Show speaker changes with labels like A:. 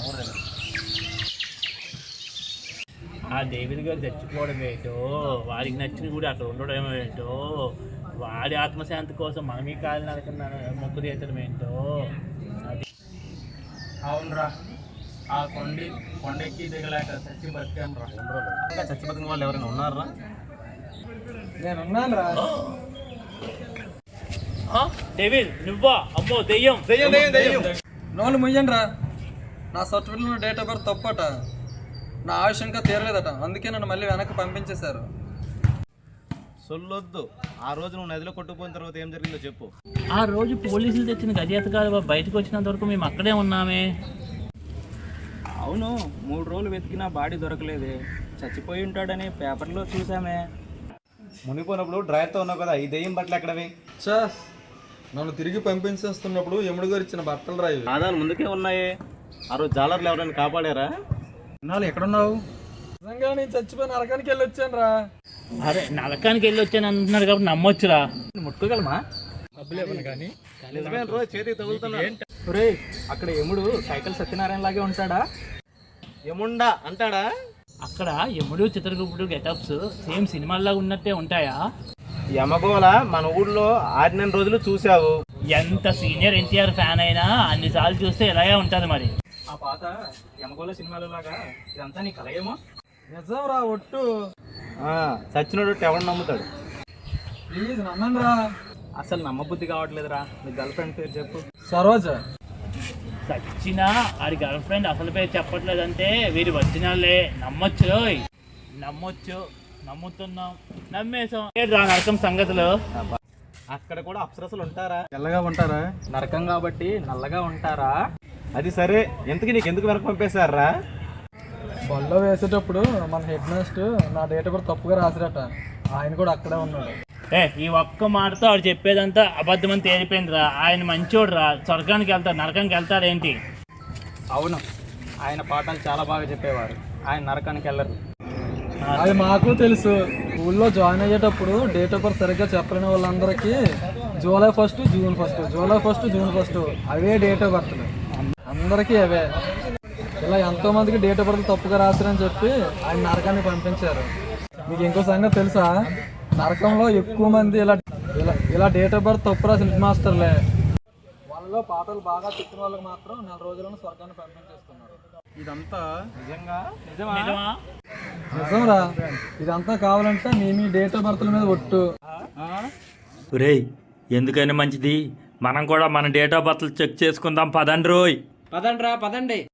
A: ఆ డేవిడ్ గారు చచ్చిపోవడం ఏంటో, వాడికి నచ్చిన కూడా అక్కడ ఉండడం ఏంటో, వాడి ఆత్మశాంతి కోసం మనం ఈ కాలు నరకన్నా మొక్కు తీర్చడం ఏంటో. అది
B: అవునరా, ఆ కొండెక్కి దిగలేక చచ్చి బతికాను రా. ఇంకా చచ్చి బతికిన వాళ్ళు ఎవరైనా ఉన్నారా?
C: నేను ఉన్నాను రా.
A: డేవిడ్ నువ్వా? అమ్మో దెయ్యం.
C: నోళ్ళు ముయ్యండి రా. నా సర్టిఫికెట్లో డేట్ ఆఫ్ బర్త్ తప్పట. నా ఆయుష్ ఇంకా తీరలేదట, అందుకే నన్ను మళ్ళీ వెనక్కి పంపించేశారు.
B: సొల్లొద్దు. ఆ రోజు నువ్వు నదిలో కొట్టుకుపోయిన తర్వాత ఏం జరిగిందో చెప్పు.
A: ఆ రోజు పోలీసులు తెచ్చిన గజేతగాలు బయటకు వచ్చినంత వరకు మేము అక్కడే ఉన్నామే.
D: అవును, 3 రోజులు వెతికినా బాడీ దొరకలేదే. చచ్చిపోయి ఉంటాడని పేపర్లో చూసామే.
B: మునిపోయినప్పుడు డ్రైవర్తో ఉన్నావు కదా, ఈ దెయ్యం బట్టలు ఎక్కడవి?
C: చా, నన్ను తిరిగి పంపించేస్తున్నప్పుడు యముడు గారు ఇచ్చిన బట్టలు రా ఇవి.
B: ఆధారాలు ముందుకే ఉన్నాయి. ఆ రోజు జాలర్లు ఎవరైనా కాపాడారా?
C: నాలు ఎక్కడున్నావు? నిజంగా నేను చచ్చిపోయి నరకానికి వెళ్ళి వచ్చాను రా.
A: అరే నరకానికి వెళ్ళి వచ్చాను అంటున్నాడు కాబట్టి నమ్మొచ్చురా.
B: ముట్టుకోగలమా?
C: కానీ
B: నిజమే రోజు చేతికి తగులుతున్నా.
D: ఒరే, అక్కడ యముడు సైకిల్ సత్యనారాయణ లాగే ఉంటాడా?
B: యముండా అంటాడా?
A: అక్కడ యముడు చిత్రగుప్తుడు గెటప్స్ సేమ్ సినిమాల్లాగా ఉన్నట్టే ఉంటాయా?
B: యమగోళ మన ఊళ్ళో 6 రోజులు చూసావు.
A: ఎంత సీనియర్ ఎన్టీఆర్ ఫ్యాన్ అయినా అన్నిసార్లు చూస్తే ఇలాగే ఉంటుంది మరి.
D: ఆ పాత యమగోళ సినిమాల లాగా ఇదంతా నీ కలయేమో.
C: నిజం రా, ఒట్టు.
B: సచ్చినోడు ఎవరు నమ్ముతాడు?
C: ప్లీజ్ నమ్మండి రా.
D: అసలు నమ్మబుద్ధి కావట్లేదురా. నీ గర్ల్ ఫ్రెండ్ పేరు చెప్పు.
C: సరోజ.
A: సచ్చినా ఆడి గర్ల్ ఫ్రెండ్ అసలు పేరు చెప్పట్లేదంటే వీరి వచ్చినాలే. నమ్మొచ్చు రోయ్, నమ్మొచ్చు. నమ్ముతున్నాం, నమ్మేసాం. రా నరకం సంగతులు.
B: అక్కడ కూడా అప్సరసలు ఉంటారా?
C: తెల్లగా ఉంటారా?
D: నరకం కాబట్టి నల్లగా ఉంటారా?
B: అది సరే, ఎంతకి నీకు ఎందుకు వెనక పంపేశారా?
C: బల్లో వేసేటప్పుడు మన హెడ్ మాస్టర్ నా డేట్ కూడా తప్పుగా రాసిరట. ఆయన కూడా అక్కడే ఉన్నాడు.
A: ఈ ఒక్క మాటతో ఆడు చెప్పేదంతా అబద్ధమని తేలిపోయిందిరా. ఆయన మంచోడు రా. స్వర్గానికి వెళ్తాడు, నరకానికి వెళ్తాడేంటి?
D: అవును, ఆయన పాఠాలు చాలా బాగా చెప్పేవారు. ఆయన నరకానికి వెళ్ళరు.
C: అది మాకు తెలుసు. స్కూల్లో జాయిన్ అయ్యేటప్పుడు డేట్ ఆఫ్ బర్త్ సరిగ్గా చెప్పలేని వాళ్ళందరికీ జూలై 1, జూన్ 1, జూలై 1, జూన్ 1 అవే డేట్ ఆఫ్ బర్త్లు. అందరికీ అవే. ఇలా ఎంతోమందికి డేట్ ఆఫ్ బర్త్ తప్పుగా రాశారని చెప్పి ఆయన నరకాన్ని పంపించారు. మీకు ఇంకో సంగతి తెలుసా? నరకంలో ఎక్కువ మంది ఇలా ఇలా ఇలా డేట్ ఆఫ్ బర్త్ తప్పు రాసిన హెడ్ మాస్టర్లే. వాళ్ళలో పాటలు బాగా చెప్పిన వాళ్ళకి మాత్రం 4 రోజులను స్వర్గాన్ని పంపించేస్తున్నారు. ఇదంతా
D: నిజంగా?
A: నిజమా?
C: నిజం రా. ఇదంతా కావాలంటే మీ డేట్ ఆఫ్ బర్త్ల మీద ఒట్టు.
E: రేయ్, ఎందుకైనా మంచిది మనం కూడా మన డేట్ ఆఫ్ బర్త్లు చెక్ చేసుకుందాం. పదండి రోయ్.
D: పదండి.